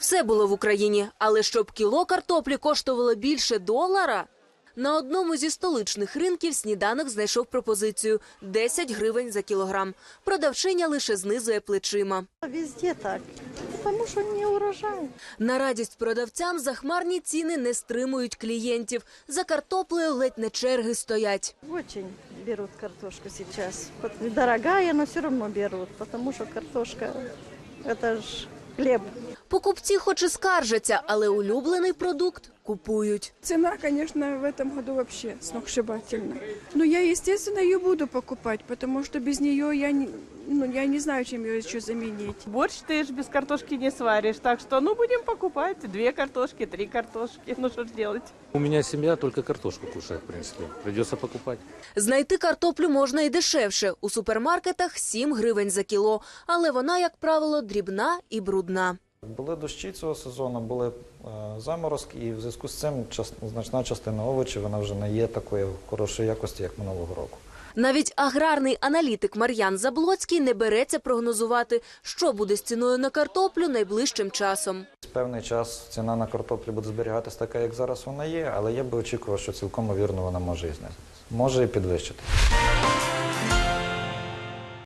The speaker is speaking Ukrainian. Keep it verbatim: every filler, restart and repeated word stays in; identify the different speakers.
Speaker 1: Все було в Україні, але щоб кіло картоплі коштувало більше долара? На одному зі столичних ринків сніданок знайшов пропозицію – десять гривень за кілограм. Продавчиня лише знизує плечима.
Speaker 2: Везде так, тому що не урожай.
Speaker 1: На радість продавцям захмарні ціни не стримують клієнтів. За картоплею ледь не черги стоять.
Speaker 2: Очень берут картошку сейчас. Дорогая, но все равно берут, потому что картошка – это ж хлеб.
Speaker 1: Покупці хоч і скаржаться, але улюблений продукт купують.
Speaker 3: Цена, конечно, в этом году вообще сногсшибательная. Но я, естественно, ее буду покупать, потому что без нее я не, ну, я не знаю, чем ее еще заменить.
Speaker 4: Борщ ты ж без картошки не сваришь, так что, ну, будем покупать две картошки, три картошки, ну, что ж делать.
Speaker 5: У меня семья только картошку кушает, в принципе. Придется покупать.
Speaker 1: Знайти картоплю можна і дешевше. У супермаркетах сім гривень за кіло. Але вона, як правило, дрібна і брудна.
Speaker 6: Були дощі цього сезону, були е, заморозки, і в зв'язку з цим час, значна частина овочів вона вже не є такої хорошої якості, як минулого року.
Speaker 1: Навіть аграрний аналітик Мар'ян Заблоцький не береться прогнозувати, що буде з ціною на картоплю найближчим часом.
Speaker 6: Певний час ціна на картоплю буде зберігатись така, як зараз вона є, але я би очікував, що цілком вірно вона може і знизитися. Може і підвищитися.